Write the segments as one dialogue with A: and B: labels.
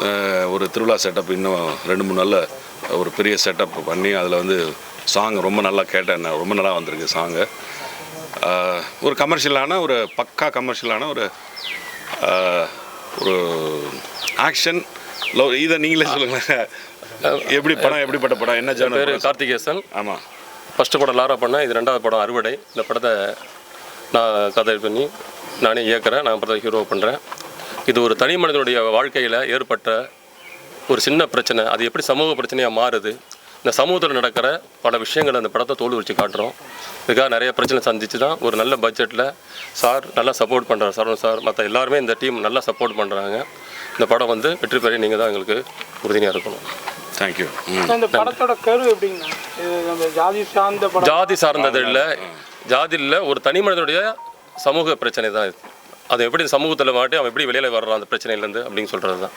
A: ஒரு திருவிழா செட்டப் இன்னும் 2-3 நாளில் ஒரு பெரிய செட்டப் பண்ணி அதில் வந்து சாங் ரொம்ப நல்லா கேட்டேன், ரொம்ப நல்லா வந்திருக்கு சாங்கு. ஒரு கமர்ஷியலான ஒரு பக்கா கமர்ஷியலான ஒரு ஒரு ஆக்ஷன் லவ். இதை நீங்களே சொல்லுங்களேன், எப்படி படம், எப்படிப்பட்ட படம், என்ன ஜானர்?
B: பேர் கார்த்திகேசன்.
A: ஆமாம்,
B: ஃபஸ்ட்டு படம் லாரா பண்ணேன், இது 2வது படம் அறுவடை. இந்த படத்தை நான் கதை பண்ணி நானே இயக்குறேன், நான் படத்தை ஹீரோ பண்ணுறேன். இது ஒரு தனி மனிதனுடைய வாழ்க்கையில் ஏற்பட்ட ஒரு சின்ன பிரச்சனை, அது எப்படி சமூக பிரச்சனையாக மாறுது, இந்த சமூகத்தில் நடக்கிற பல விஷயங்களை அந்த படத்தை தோல் வச்சு காட்டுறோம். இதுக்காக நிறைய பிரச்சனை சந்திச்சு தான் ஒரு நல்ல பட்ஜெட்டில் சார் நல்லா சப்போர்ட் பண்ணுறாரு, சரவணன் சார் மற்ற எல்லாருமே இந்த டீம் நல்லா சப்போர்ட் பண்ணுறாங்க. இந்த படம் வந்து வெற்றி பெற நீங்கள் தான் எங்களுக்கு உறுதுணையாக இருக்கணும்.
A: தேங்க்யூ.
C: இந்த படத்தோட கரு எப்படின்னா,
B: ஜாதி சார்ந்தது இல்லை, ஜாதி இல்லை, ஒரு தனி மனிதனுடைய சமூக பிரச்சனை தான் இது. அது எப்படி சமூகத்தில் மாட்டி அவன் எப்படி வெளியில் வர்றான் அந்த பிரச்சனையிலேருந்து அப்படின்னு சொல்கிறது தான்.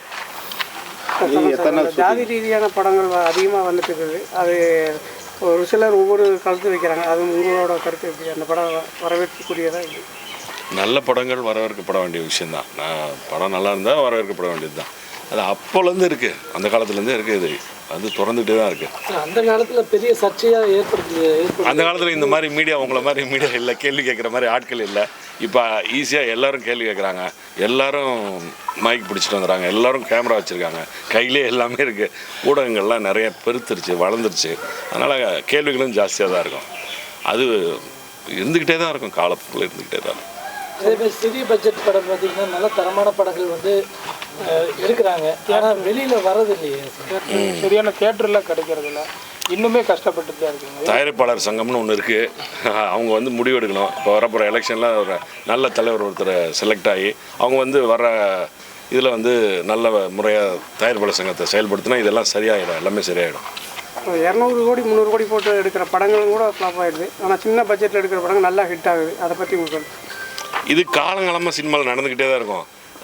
C: ஜாதி ரீதியான படங்கள் அதிகமாக வந்துட்டு இருக்குது. அது ஒரு சிலர் ஒவ்வொரு கருத்து வைக்கிறாங்க, அது உங்களோட கருத்து எப்படி? அந்த படம் வரவேற்கக்கூடியதா?
A: நல்ல படங்கள் வரவேற்கப்பட வேண்டிய விஷயந்தான். படம் நல்லா இருந்தால் வரவேற்கப்பட வேண்டியது தான். அது அப்போலேருந்து இருக்குது, அந்த காலத்துலேருந்தே இருக்குது, இது அது தொடர்ந்துகிட்டே தான் இருக்குது.
C: அந்த காலத்தில் பெரிய சர்ச்சையாக ஏற்படுத்தி
A: அந்த காலத்தில் இந்த மாதிரி மீடியா, உங்களை மாதிரி மீடியா இல்லை, கேள்வி கேட்குற மாதிரி ஆட்கள் இல்லை. இப்போ ஈஸியாக எல்லோரும் கேள்வி கேட்குறாங்க, எல்லோரும் மைக் பிடிச்சிட்டு வந்துடுறாங்க, எல்லோரும் கேமரா வச்சுருக்காங்க, கையிலே எல்லாமே இருக்குது. ஊடகங்கள்லாம் நிறைய பெருத்துருச்சு, வளர்ந்துருச்சு. அதனால் கேள்விகளும் ஜாஸ்தியாக தான் இருக்கும். அது இருந்துக்கிட்டே தான் இருக்கும், காலத்துக்குள்ளே இருந்துக்கிட்டே தான் இருக்கும்.
C: அதேமாதிரி சிறிய பட்ஜெட் படம் பார்த்திங்கன்னா நல்ல தரமான படங்கள் வந்து எடுக்கிறாங்க, ஆனால் வெளியில் வரது இல்லையே, சரியான தியேட்டரில் கிடைக்கிறது இல்லை, இன்னுமே கஷ்டப்பட்டு தான் இருக்குங்க.
A: தயாரிப்பாளர் சங்கம்னு ஒன்று இருக்குது, அவங்க வந்து முடிவு எடுக்கணும். இப்போ வரப்போகிற எலெக்ஷனில் ஒரு நல்ல தலைவர் ஒருத்தர் செலக்ட் ஆகி அவங்க வந்து வர இதில் வந்து நல்ல முறையாக தயாரிப்பாளர் சங்கத்தை செயல்படுத்தினா இதெல்லாம் சரியாயிடும், எல்லாமே சரியாயிடும்.
C: 200 கோடி 300 கோடி போட்டு எடுக்கிற படங்களும் கூட ஃப்ளாப் ஆகிடுது, ஆனால் சின்ன பட்ஜெட்டில் எடுக்கிற படங்கள் நல்லா ஹிட் ஆகுது. அதை பற்றி உங்களுக்கு?
A: இது காலங்காலமாக சினிமாவில் நடந்துக்கிட்டே தான் இருக்கும்.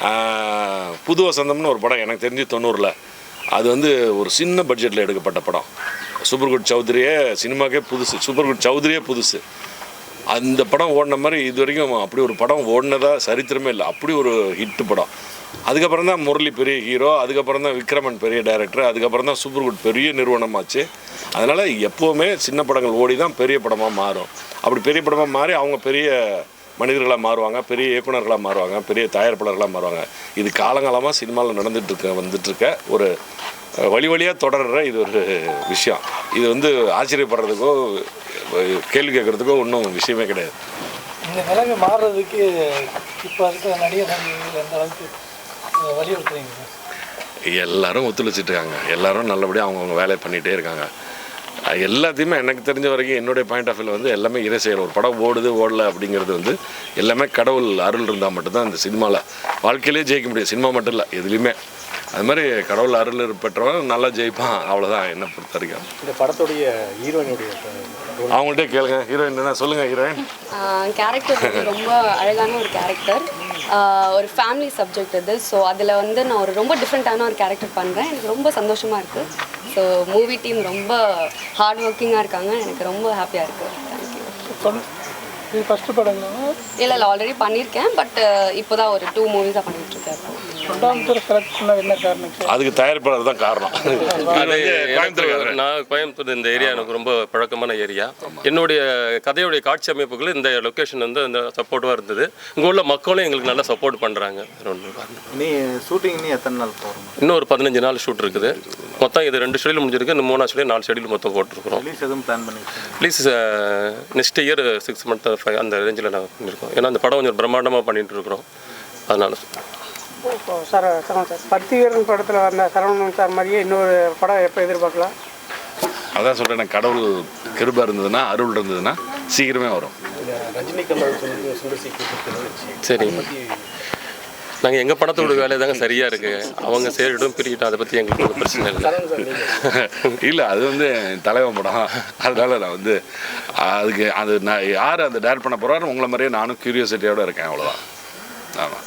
A: புது வசந்தம்னு ஒரு படம் எனக்கு தெரிஞ்சு 90ல், அது வந்து ஒரு சின்ன பட்ஜெட்டில் எடுக்கப்பட்ட படம். சூப்பர்குட் சௌத்ரியே சினிமாக்கே புதுசு, சூப்பர்குட் சௌத்ரியே புதுசு. அந்த படம் ஓடின மாதிரி இது வரைக்கும் அப்படி ஒரு படம் ஓடினதாக சரித்திரமே இல்லை, அப்படி ஒரு ஹிட்டு படம். அதுக்கப்புறம் தான் முரளி பெரிய ஹீரோ, அதுக்கப்புறம் தான் விக்ரமன் பெரிய டைரக்டர், அதுக்கப்புறம் தான் சூப்பர்குட் பெரிய நிறுவனமாச்சு. அதனால் எப்போவுமே சின்ன படங்கள் ஓடி தான் பெரிய படமாக மாறும். அப்படி பெரிய படமாக மாறி அவங்க பெரிய மனிதர்களாக மாறுவாங்க, பெரிய இயக்குநர்களாக மாறுவாங்க, பெரிய தயாரிப்பாளர்களாக மாறுவாங்க. இது காலங்காலமாக சினிமாவில் வந்துட்டுருக்க ஒரு வழியாக தொடர்கிற இது ஒரு விஷயம். இது வந்து ஆச்சரியப்படுறதுக்கோ கேள்வி கேட்குறதுக்கோ ஒன்றும் விஷயமே கிடையாது.
C: இந்த நிலைமை மாறுறதுக்கு இப்போ இருக்கிற நடிகர் எந்த அளவுக்கு வலியுறுத்துறீங்க?
A: எல்லோரும் ஒத்துழைச்சிட்ருக்காங்க, எல்லோரும் நல்லபடியாக அவங்கவுங்க வேலையை பண்ணிகிட்டே இருக்காங்க. எல்லாத்தையுமே எனக்கு தெரிஞ்ச வரைக்கும் என்னுடைய பாயிண்ட் ஆஃப் வியூவில் வந்து எல்லாமே இறை செயல். ஒரு படம் ஓடலை அப்படிங்கிறது வந்து எல்லாமே கடவுள் அருள் இருந்தால் மட்டும்தான் இந்த சினிமாவில் வாழ்க்கையிலே ஜெயிக்க முடியும். சினிமா மட்டும் இல்லை, எதுலேயுமே அது மாதிரி கடவுள் அருள் பெற்றவன் நல்லா ஜெயிப்பான், அவ்வளோதான் என்னை பொறுத்த வரைக்கும்.
D: இந்த படத்துடைய ஹீரோயினுடைய
A: அவங்கள்ட்டே கேளுங்க, ஹீரோயின் என்ன சொல்லுங்கள்? ஹீரோயின்
E: கேரக்டர் ரொம்ப அழகான ஒரு கேரக்டர், ஒரு ஃபேமிலி சப்ஜெக்ட் இது. ஸோ அதில் வந்து நான் ஒரு ரொம்ப டிஃப்ரெண்ட்டான ஒரு கேரக்டர் பண்ணுறேன், எனக்கு ரொம்ப சந்தோஷமாக இருக்குது. ஸோ மூவி டீம் ரொம்ப ஹார்ட் ஒர்க்கிங்காக இருக்காங்க, எனக்கு ரொம்ப ஹாப்பியாக இருக்குது. தேங்க்யூ.
C: இது ஃபஸ்ட்டு படங்களா?
E: இல்லை ஆல்ரெடி பண்ணியிருக்கேன், பட் இப்போ தான் ஒரு 2 மூவிஸாக பண்ணிகிட்ருக்கேன்.
C: என்ன காரணம்?
A: அதுக்கு தயாரிப்பாளர் தான் காரணம்.
B: நான் கோயம்புத்தூர், இந்த ஏரியா எனக்கு ரொம்ப பழக்கமான ஏரியா. என்னுடைய கதையுடைய காட்சி அமைப்புகள் இந்த லொக்கேஷன் வந்து இந்த சப்போர்ட்டிவாக இருந்தது. இங்கே உள்ள மக்களும் எங்களுக்கு நல்லா சப்போர்ட் பண்ணுறாங்க.
D: நீ ஷூட்டிங் எத்தனை நாள் போகிறோம்?
B: இன்னும் ஒரு 15 நாள் ஷூட் இருக்குது. மொத்தம் இது 2 ஷெடியூல் முடிஞ்சிருக்கு, இன்னும் 3 ஷெடியூல் 4 ஷெடியூல் மொத்தம் போட்டிருக்கிறோம்.
D: ரிலீஸ் எதுவும் பிளான் பண்ணிருக்கோம்?
B: ரிலீஸ் நெக்ஸ்ட் இயர் 6 month 5 அந்த ரேஞ்சில் நாங்கள் பண்ணியிருக்கோம். ஏன்னா அந்த படம் கொஞ்சம் பிரம்மாண்டமாக பண்ணிகிட்டு இருக்கிறோம், அதனால.
C: சார் பத்திவீரன் படத்தில் வந்த சரவணன் சார் மாதிரியே இன்னொரு படம் எப்போ எதிர்பார்க்கலாம்?
A: அதான் சொல்கிறேன், கடவுள் கிருபை இருந்ததுன்னா, அருள் இருந்ததுன்னா சீக்கிரமே வரும்.
B: சரி, நாங்கள் எங்கள் படத்தோட வேலை தாங்க சரியாக இருக்குது. அவங்க சேரிடும் பிரிக்கிட்டோம், அதை பற்றி எங்களுக்கு ஒன்றும் பிரச்சனை இல்லை.
A: இல்லை, அது வந்து தலைவன் படம், அதனால் நான் வந்து அதுக்கு அது நான் யார் அதை டேரக்ட் பண்ண போகிறாரு உங்களை மாதிரியே நானும் க்யூரியாசிட்டியோடு இருக்கேன், அவ்வளோதான். ஆமாம்.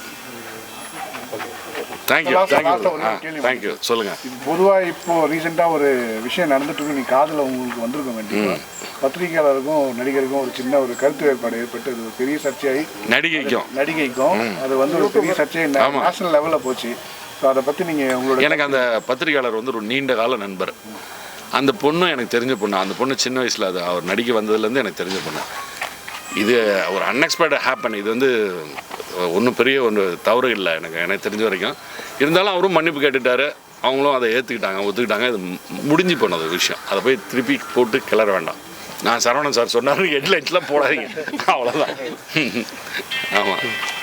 A: தேங்க்யூ. சொல்லுங்கள்.
F: பொதுவாக இப்போது ரீசெண்டாக ஒரு விஷயம் நடந்துட்டு நீ காதில் உங்களுக்கு வந்திருக்கும் கண்டிப்பாக. பத்திரிகையாளருக்கும் நடிகருக்கும் ஒரு சின்ன ஒரு கருத்து வேறுபாடு ஏற்பட்டு அது ஒரு பெரிய சர்ச்சையாகி நடிகைக்கும் அது வந்து ஒரு பெரிய சர்ச்சை நேஷனல் லெவலில் போச்சு. ஸோ அதை பற்றி நீங்கள் உங்களோட
A: எனக்கு அந்த பத்திரிகையாளர் வந்து ஒரு நீண்ட கால நண்பர். அந்த பொண்ணும் எனக்கு தெரிஞ்ச பொண்ணு. அந்த பொண்ணு சின்ன வயசில் அது அவர் நடிக்க வந்ததுலேருந்து எனக்கு தெரிஞ்ச பொண்ணு. இது ஒரு அன்எக்ஸ்பெக்டட் ஹேப்பன். இது வந்து ஒன்றும் பெரிய ஒன்று தவறு இல்லை எனக்கு தெரிஞ்ச வரைக்கும். இருந்தாலும் அவரும் மன்னிப்பு கேட்டுட்டாரு, அவங்களும் அதை ஒத்துக்கிட்டாங்க. இது முடிஞ்சு போனது விஷயம். அதை போய் திருப்பி போட்டு கிளற வேண்டாம். நான் சரவணன் சார் சொன்னார், ஹெட்லைன்ஸ்லாம் போடாதீங்க, அவ்வளோதான். ஆமாம்.